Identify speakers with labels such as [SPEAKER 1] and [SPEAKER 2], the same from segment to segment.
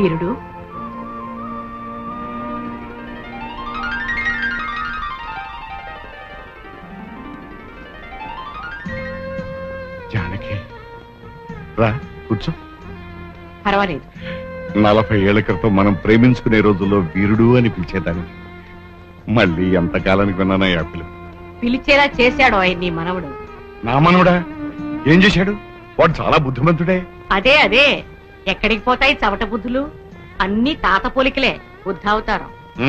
[SPEAKER 1] వీరుడు,
[SPEAKER 2] జానకి రా కూర్చో.
[SPEAKER 1] పర్వాలేదు.
[SPEAKER 2] 40 ఏళ్ల క్రితం మనం ప్రేమించుకునే రోజుల్లో వీరుడు అని పిలిచేదాన్ని. మళ్ళీ ఎంతకాలానికి విన్నానా యాపిల్.
[SPEAKER 1] పిలిచేలా చేశాడు ఆయన నీ మనవడు.
[SPEAKER 2] నా మనవడా? ఏం చేశాడు? వాడు చాలా బుద్ధిమంతుడే.
[SPEAKER 1] అదే అదే, ఎక్కడికి పోతాయి చవట బుద్ధులు? అన్ని తాత పోలికలే, బుద్ధావతారం.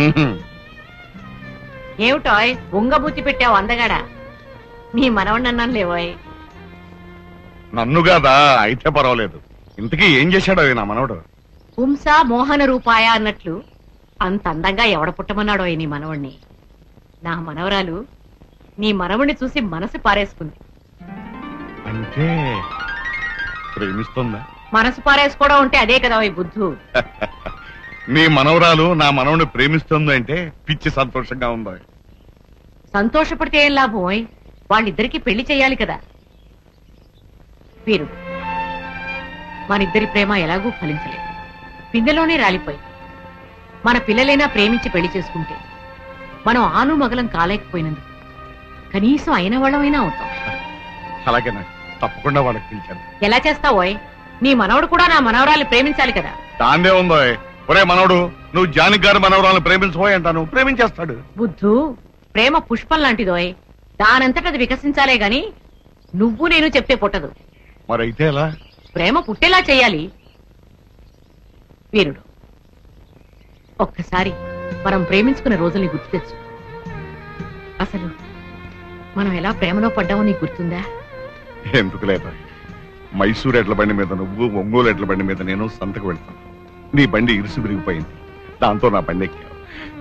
[SPEAKER 1] ఏమిటోయ్ ఉంగబుద్ధి పెట్టావు అందగాడా? నీ మనవడిని అన్నాను లేవోయ్.
[SPEAKER 2] నన్ను కాదా? అయితే పర్వాలేదు. ఇంతకీ ఏం చేశాడో నా మనవడు?
[SPEAKER 1] పుంస మోహన రూపాయ అన్నట్లు అంత అందంగా ఎవడ పుట్టమన్నాడో నీ మనవణ్ణి. నా మనవరాలు నీ మనవణ్ణి చూసి మనసు పారేసుకుంది.
[SPEAKER 2] అంటే ప్రేమిస్తుందా?
[SPEAKER 1] మనసు పారేసుకోవడం ఉంటే అదే కదా ఈ బుద్ధు.
[SPEAKER 2] నీ మనవరాలు నా మనవని ప్రేమిస్తుంది అంటే పిచ్చి సంతోషంగా ఉందా?
[SPEAKER 1] సంతోషపడితే ఏం లాభం? వాళ్ళిద్దరికి పెళ్లి చెయ్యాలి కదా. వీరు, మనిద్దరి ప్రేమ ఎలాగూ ఫలించలేదు, పిందెలోనే రాలిపోయి. మన పిల్లలైనా ప్రేమించి పెళ్లి చేసుకుంటే మనం ఆను మగలం కాలేకపోయినందుకు కనీసం అయిన వాళ్ళమైనా అవుతాం.
[SPEAKER 2] అలాగే తప్పకుండా వాళ్ళకి పిలిచాను.
[SPEAKER 1] ఎలా చేస్తావోయ్? నీ మనవడు కూడా నా మనవరాలు ప్రేమించాలి కదా.
[SPEAKER 2] దాందే ఉందో. ఒరే మనవడు, నువ్వు జానకి గారి మనవరాలను ప్రేమించబోయ్ అంటాను, ప్రేమించేస్తాడు.
[SPEAKER 1] బుద్ధు, ప్రేమ పుష్పం లాంటిదోయ్, దానంతట అది వికసించాలే గాని నువ్వు నేను చెప్తే పుట్టదు.
[SPEAKER 2] మరైతే ఎలా?
[SPEAKER 1] ప్రేమ పుట్టేలా చెయ్యాలి. వీరుడు, ఒక్కసారి మనం ప్రేమించుకున్న రోజుల్ని గుర్తు తెచ్చు. అసలు మనం ఎలా ప్రేమలో పడ్డామో నీకు గుర్తుందా?
[SPEAKER 2] ఎందుకు లేదా? మైసూరు ఎడ్ల బండి మీద నువ్వు, ఒంగోలు ఎడ్ల బండి మీద నేను సంతకు వెళ్తాను. నీ బండి ఇరుసు విరిగిపోయింది, దాంతో నా బండి ఎక్కావు.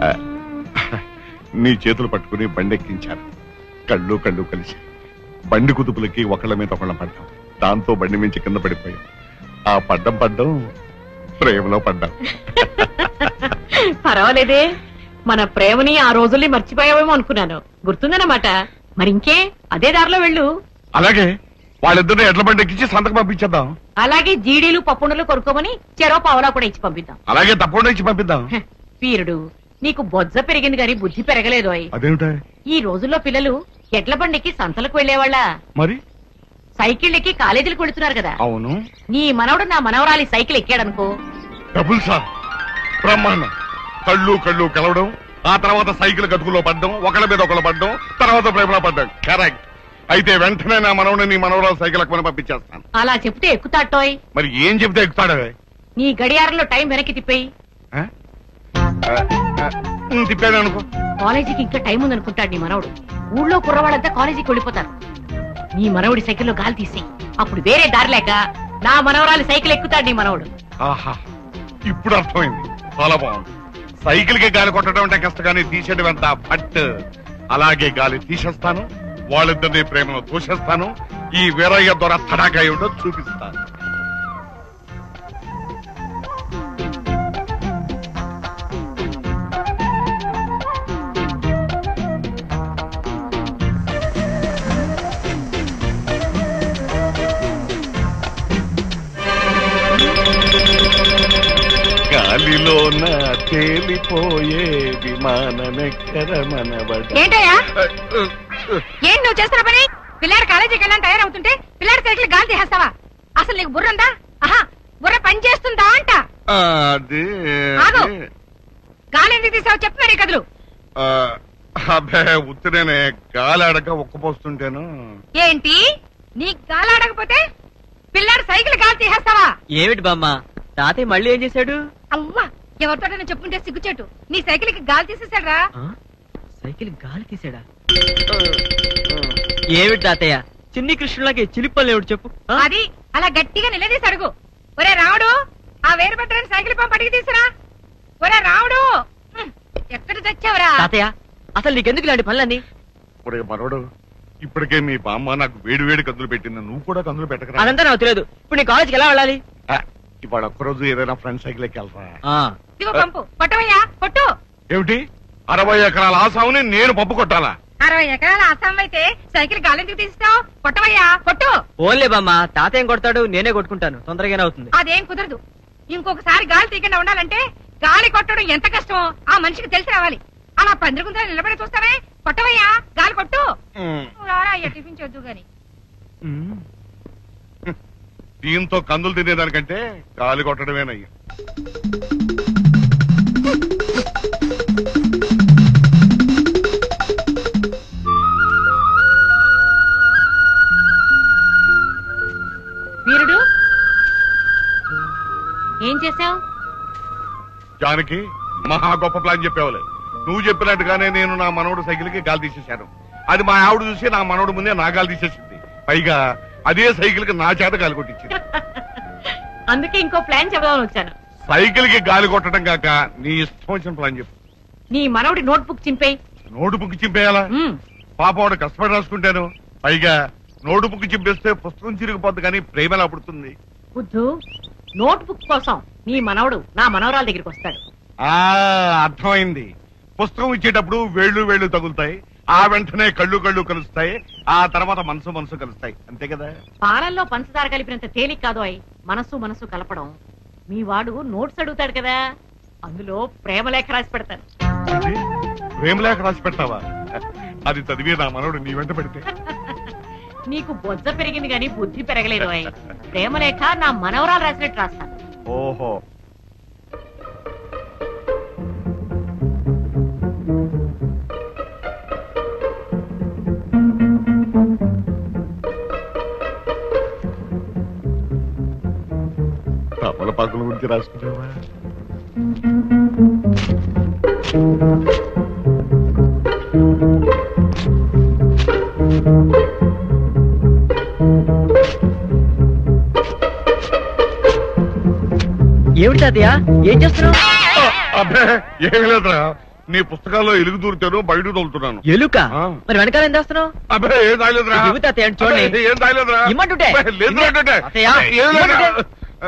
[SPEAKER 2] నీ చేతులు పట్టుకుని బండి ఎక్కించాను. కళ్ళు కళ్ళు కలిసి బండి కుదుపులకి ఒకళ్ళ మీద ఒకళ్ళ పడ్డాం. దాంతో బండి మించి కింద పడిపోయాం. ఆ పడ్డం ప్రేమలో పడ్డాం.
[SPEAKER 1] పర్వాలేదే, మన ప్రేమని ఆ రోజుల్ని మర్చిపోయావేమో అనుకున్నాను. గుర్తుందన్నమాట. మరింకే అదే దారిలో వెళ్ళు.
[SPEAKER 2] అలాగే, వాళ్ళిద్దరిని ఎడ్ల బండి ఎక్కించి సంతకు పంపించేద్దాం.
[SPEAKER 1] అలాగే జీడీలు పప్పుండలు కొనుక్కోమని చెరో పావలా కూడా ఇచ్చి పంపిద్దాం.
[SPEAKER 2] అలాగే తప్పకుండా ఇచ్చి పంపిద్దాం.
[SPEAKER 1] వీరుడు, నీకు బొజ్జ పెరిగింది గాని బుద్ధి పెరగలేదు.
[SPEAKER 2] అదేమిటా?
[SPEAKER 1] ఈ రోజుల్లో పిల్లలు ఎడ్ల బండికి సంతలకు వెళ్లేవాళ్ళ?
[SPEAKER 2] మరి
[SPEAKER 1] సైకిల్ ఎక్కి కాలేజీలకు వెళుతున్నారు కదా.
[SPEAKER 2] అవును.
[SPEAKER 1] నీ మనవడు నా మనవరాలి సైకిల్ ఎక్కాడనుకో,
[SPEAKER 2] డబుల్ సార్, బ్రహ్మాండం. కళ్ళు కళ్ళు కలవడం, ఆ తర్వాత సైకిల్ గతుకులో పడ్డం, ఒకళ్ళ మీద ఒకళ్ళు పడ్డం, తర్వాత ప్రేమలో పడ్డం. కరెక్ట్. అయితే వెంటనే నా మనవని నీ మనవరాలు సైకిల్ ఎక్కువని పంపించేస్తాను.
[SPEAKER 1] అలా చెప్తే ఎక్కుతాటోయ్.
[SPEAKER 2] మరి ఏం చెప్తే ఎక్కుతాడు?
[SPEAKER 1] నీ గడియారంలో టైం వెనక్కి తిప్పేయి.
[SPEAKER 2] తిప్పాను అనుకో.
[SPEAKER 1] కాలేజీకి ఇంకా టైం ఉందనుకుంటాడు నీ మనవడు. ఊళ్ళో కుర్రవాళ్ళంతా కాలేజీకి వెళ్ళిపోతారు. నీ మనవడి సైకిల్లో గాలి తీసేయి. అప్పుడు వేరే దారి లేక నా మనవరాలి సైకిల్ ఎక్కుతాడు నీ మనవడు.
[SPEAKER 2] ఆహా, ఇప్పుడు అర్థమైంది. చాలా బాగుంది. సైకిల్ కి గాలి కొట్టడం అంటే కష్టగానే తీసేయడం ఎంత ఫట్. అలాగే గాలి తీసేస్తాను, వాళ్ళిద్దరినీ ప్రేమలో తోసేస్తాను. ఈ వీరయ్య ద్వారా తడాకా ఏమిటో చూపిస్తాను. గాలిలోన తేలిపోయే విమానమెక్కర మనబడ.
[SPEAKER 3] ఏంటయ్యా, ఏం నువ్వు చేస్తున్న పని? పిల్లాడు కాలేజీకి వెళ్ళని తయారవుతుంటే పిల్లాడి సైకిల్ గాలి తీసేస్తావా? అసలు నీకు బుర్ర ఉందా? ఆహా, బుర్ర పని చేస్తుందా అంట. గాలి ఎందుకు తీసావు చెప్పు మరి కదులు.
[SPEAKER 2] అబ్బే ఉత్తినే గాలి ఆడక ఒక్కపోస్తుంటేను.
[SPEAKER 3] ఏంటి, నీకు గాలి ఆడకపోతే పిల్లాడు సైకిల్ గాలి తీసేస్తావా?
[SPEAKER 4] ఏమిటి బామ్మ, తాతయ్య మళ్ళీ ఏం చేశాడు?
[SPEAKER 3] అవ్వా, ఎవరితోటైనా చెప్పుంటే సిగ్గుచేటు. నీ సైకిల్ కి గాలి తీసేశాడ్రా.
[SPEAKER 4] సైకిల్ గాలి తీసాడా? ఏమిటి తాతయ్య, చిన్ని కృష్ణులకి చిలిపల్లి ఏమిటి చెప్పు.
[SPEAKER 3] అది అలా గట్టిగా నిలదీసి అడుగు. ఒరే రావుడు, ఆ వేరు పట్టని సైకిల్ పంప అడిగి తీసురా. ఒరే రావుడు, ఎక్కడ తెచ్చావురా?
[SPEAKER 4] తాతయ్య, అసలు నీకెందుకు ఇలాంటి పనులన్నీ?
[SPEAKER 2] ఒరే మనోడు, ఇప్పటికే మీ బామ్మ నాకు వేడి వేడి కందులు పెట్టింది, నువ్వు కూడా కందులు పెట్టకరా.
[SPEAKER 4] అదంతా నాకు తెలియదు. ఇప్పుడు నీ కాలేజీకి ఎలా వెళ్ళాలి?
[SPEAKER 2] ఇవాళ ఒక్కరోజు ఏదైనా ఫ్రెండ్ సైకిల్ ఎక్కి వెళ్తా.
[SPEAKER 3] ఇదిగో పంపు, కొట్టవయ్యా కొట్టు.
[SPEAKER 2] ఏమిటి, 60 ఎకరాల ఆసాముని నేను పప్పు కొట్టాలా?
[SPEAKER 3] 60 ఎకరాల అస్సాం అయితే సైకిల్ గాలి ఎందుకు తీస్తావు? కొట్టవయ్యా కొట్టు.
[SPEAKER 4] ఓన్లే బామ్మ, తాతయ్య కొడతాడు, నేనే కొట్టుకుంటాను, తొందరగానే అవుతుంది.
[SPEAKER 3] అదేం కుదరదు. ఇంకొకసారి గాలి తీయకుండా ఉండాలంటే గాలి కొట్టడం ఎంత కష్టమో ఆ మనిషికి తెలిసి రావాలి. అలా పందిరిగుందా నిలబడి చూస్తావే, కొట్టవయ్యా గాలి కొట్టు. నువ్వు రారా అయ్యా, టిఫిన్ చేద్దు గాని.
[SPEAKER 2] దీంతో కందులు తినేదానికంటే గాలి కొట్టడమేనయ్యా.
[SPEAKER 1] వీరుడు ఏం చేశావు?
[SPEAKER 2] జానకి మహా గొప్ప ప్లాన్ చెప్పేవాలే. నువ్వు చెప్పినట్టుగానే నేను నా మనవడు సైకిల్ కి గాలి తీసేశాను. అది మా ఆవిడ చూసి నా మనవడు ముందే నా గాలి తీసేసింది. పైగా అదే సైకిల్ కి నా చేత గాలి కొట్టించింది.
[SPEAKER 1] అందుకే ఇంకో ప్లాన్ చెబుదామని వచ్చాను.
[SPEAKER 2] సైకిల్ కి గాలి కొట్టడం కాక నీ ఇష్టం వచ్చిన ప్లాన్ చెప్పు.
[SPEAKER 1] నీ మనవడి నోట్బుక్ చింపేయి.
[SPEAKER 2] నోటు బుక్ చింపేయాలా? పాప వాడు కష్టపడి రాసుకుంటాను. పైగా నోటు బుక్ చింపేస్తే పుస్తకం చిరిగిపోద్ది కానీ ప్రేమ ఎలా పుడుతుంది?
[SPEAKER 1] బుద్ధు, నోట్బుక్ కోసం నీ మనవడు నా మనవరాల దగ్గరికి వస్తాడు.
[SPEAKER 2] అర్థమైంది. పుస్తకం ఇచ్చేటప్పుడు వేళ్ళు తగులుతాయి, ఆ వెంటనే కళ్ళు కలుస్తాయి, ఆ తర్వాత మనసు కలుస్తాయి. అంతే కదా?
[SPEAKER 1] పాలల్లో పంచదార కలిపినంత తేలిక కాదు అయి మనసు కలపడం. మీ వాడు నోట్స్ అడుగుతాడు కదా, అందులో ప్రేమలేఖ రాసి పెడతాను.
[SPEAKER 2] ప్రేమలేఖ రాసి పెడతావా? అది చదివి నా మనవడు నీ వెంట పెడితే?
[SPEAKER 1] నీకు బొజ్జ పెరిగింది గాని బుద్ధి పెరగలేదు అయి. ప్రేమలేఖ నా మనవరాలు రాసినట్టు రాస్తాను.
[SPEAKER 2] ఓహో. తమలపాకుల గురించి రాసుకున్నావా?
[SPEAKER 4] ఏమిటి తాతయ్య, ఏం చేస్తున్నావు?
[SPEAKER 2] అబ్బే ఏమి లేదురా, నీ పుస్తకాల్లో ఎలుగు దూరుతాను, బయట తోలుతున్నాను.
[SPEAKER 4] ఎలుక?
[SPEAKER 2] ఆ.
[SPEAKER 4] మరి వెనకాల ఏం చేస్తున్నావు?
[SPEAKER 2] అబ్బే ఏం తాగలేదురా.
[SPEAKER 4] ఇవ్వు తాతయ్య, చూడండి.
[SPEAKER 2] అబ్బే, ఏం తాగలేదురా.
[SPEAKER 4] ఇమ్మంటుంటే.
[SPEAKER 2] అబ్బే, లేదురా అంటుంటే.
[SPEAKER 4] తాతయ్య,
[SPEAKER 2] ఏం లేదురా.
[SPEAKER 4] ఇమ్మంటుంటే.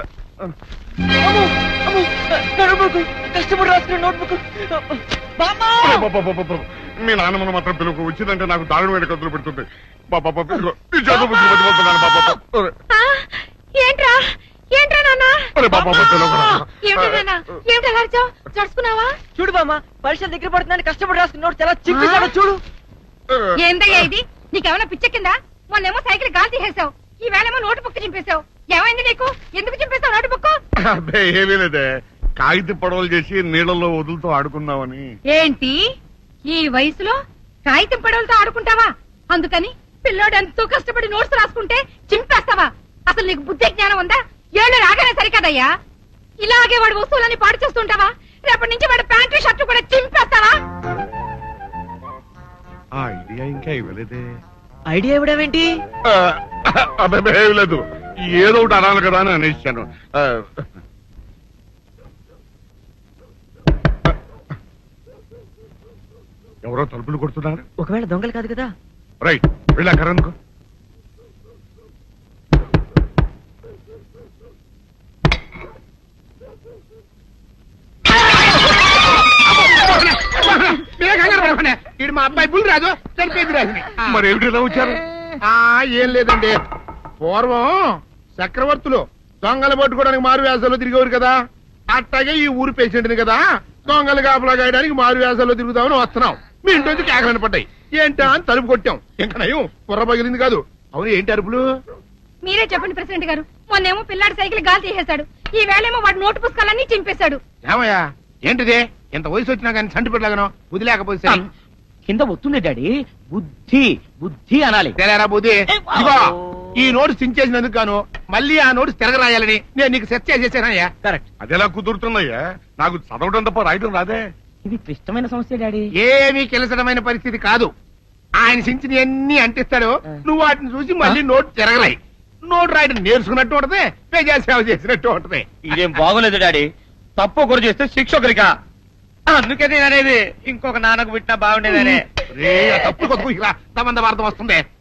[SPEAKER 4] కష్టపడి రాసుకున్న నోట్బుక్.
[SPEAKER 2] అబ్బబ్బబ్బబ్బబ్బ. మీ నాన్నమ్మను మాత్రం పిలుపు వచ్చిందంటే నాకు దారుణమైన కత్తులు పెడుతుంది. బాబా ఇదిగో, ఈ చేతులు పుచ్చుకు మర్చిపోతున్నాను బాబా.
[SPEAKER 3] ఏంట్రా ఏంట్రా నాన్న?
[SPEAKER 2] అరే బాబా పిలువరా.
[SPEAKER 3] ఏమిటి నాన్న, ఏమిటి అలా అరిచావ్? జడుచుకున్నావా?
[SPEAKER 4] చూడు బామ్మ, పరీక్షలు దగ్గర పడుతుందని కష్టపడి రాసుకున్న నోట్స్ ఎలా చింపేశాడో చూడు.
[SPEAKER 3] ఏందయ్యా ఇది? నీకేమైనా పిచ్చెక్కిందా? మొన్నేమో సైకిల్ గాలి తీసేసావు, ఈ వేళేమో నోటు బుక్ చింపేశావు. ఏమైంది నీకు? ఎందుకు చింపేశావు నోటు బుక్?
[SPEAKER 2] అబ్బే ఏమీ లేదే, కాగిత పడవలు చేసి నీళ్ళల్లో వదులుతూ ఆడుకుందామని.
[SPEAKER 3] ఏంటి ఈ వయసులో కాగితం పడవలతో ఆడుకుంటావా? అందుకని పిల్లోడు ఎంతో కష్టపడి నోట్స్ రాసుకుంటే చింపేస్తావా? అసలు నీకు బుద్ధి జ్ఞానం ఉందా? ఏళ్ళు రాగానే సరికదయ్యా. ఇలాగే వాడు వస్తువులని పాడు చేస్తుంటావా? రేపటి నుంచి వాడు ప్యాంటు షర్టు కూడా చింపేస్తావా?
[SPEAKER 2] ఆ ఐడియా ఇంకా ఇవ్వలేదే.
[SPEAKER 4] ఐడియా ఇవ్వడమేంటి?
[SPEAKER 2] అబ్బాయి ఏమి లేదు, ఏదో ఒకటి అనాలి కదా అని అనేసాను. ఎవరో తలుపులు కొడుతున్నారు.
[SPEAKER 4] ఒకవేళ దొంగలు కాదు కదా?
[SPEAKER 2] రైట్, వెళ్ళాకరనుకో.
[SPEAKER 5] ఇడు మా అబ్బాయి బుల్ రాజు చనిపోయింది రాజుని.
[SPEAKER 2] మరి ఏమిటి ఇలా వచ్చారు?
[SPEAKER 5] ఏం లేదండి, పూర్వం చక్రవర్తులు దొంగలు పట్టుకోవడానికి మారు వేసాల్లో తిరిగేవారు కదా, అట్టాగే ఈ ఊరు పేషెంట్ని కదా దొంగలు కాపలా గాయడానికి మారు వేసాల్లో తిరుగుదామని వస్తున్నాం. మీ ఇంటి నుంచి కేకలని పడ్డాయి. ఏంటా అని తలుపు కొట్టాం. ఇంకా నయం బుర్ర పగిలింది కాదు. అవును, ఏంటి అరుపులు?
[SPEAKER 3] మీరే చెప్పండి ప్రెసిడెంట్ గారు. మొన్నేమో పిల్లాడి సైకిల్ గాలి తీసేశాడు, ఈ వేళేమో వాడు నోటు పుస్తకాలన్నీ చింపేశాడు.
[SPEAKER 5] ఏమయ్యా ఏంటిదే? ఇంత వయసు వచ్చినా కానీ చంటి పెట్టలాగను వదిలేకపోతే
[SPEAKER 4] కింద వస్తుంది డాడీ. బుద్ధి బుద్ధి అనాలి.
[SPEAKER 5] తెలేరా బుద్ధి. ఇదిగో ఈ నోట్స్ చించేసినందుకు గాను మళ్ళీ ఆ నోట్స్ తిరగరాయాలని నేను నీకు సెట్ చేసేసానయ్యా.
[SPEAKER 4] కరెక్ట్.
[SPEAKER 2] అదెలా కుదురుతుందయ్యా? నాకు చదవడం తప్ప రాయటం రాదే.
[SPEAKER 4] ఇది క్లిష్టమైన సమస్య డాడీ.
[SPEAKER 5] ఏమీ కిలసడమైన పరిస్థితి కాదు. ఆయన చించిన అన్ని అంటిస్తాడు, నువ్వు వాటిని చూసి మళ్ళీ నోట్ తిరగరాయి. నోట్ రాయడం నేర్చుకున్నట్టు ఉంటది, ప్రజా సేవ చేసినట్టు ఉంటది.
[SPEAKER 4] ఇదేం బాగోలేదు డాడీ. తప్పు ఒకరు చేస్తే శిక్ష ఒకరికా? అందుకే నేను అనేది ఇంకొక నాన్నకు పుట్టినా బాగుండేదనే.
[SPEAKER 5] రే, ఆ తప్పుడు కొద్దు ఇలా సంబంధ వార్త వస్తుంది.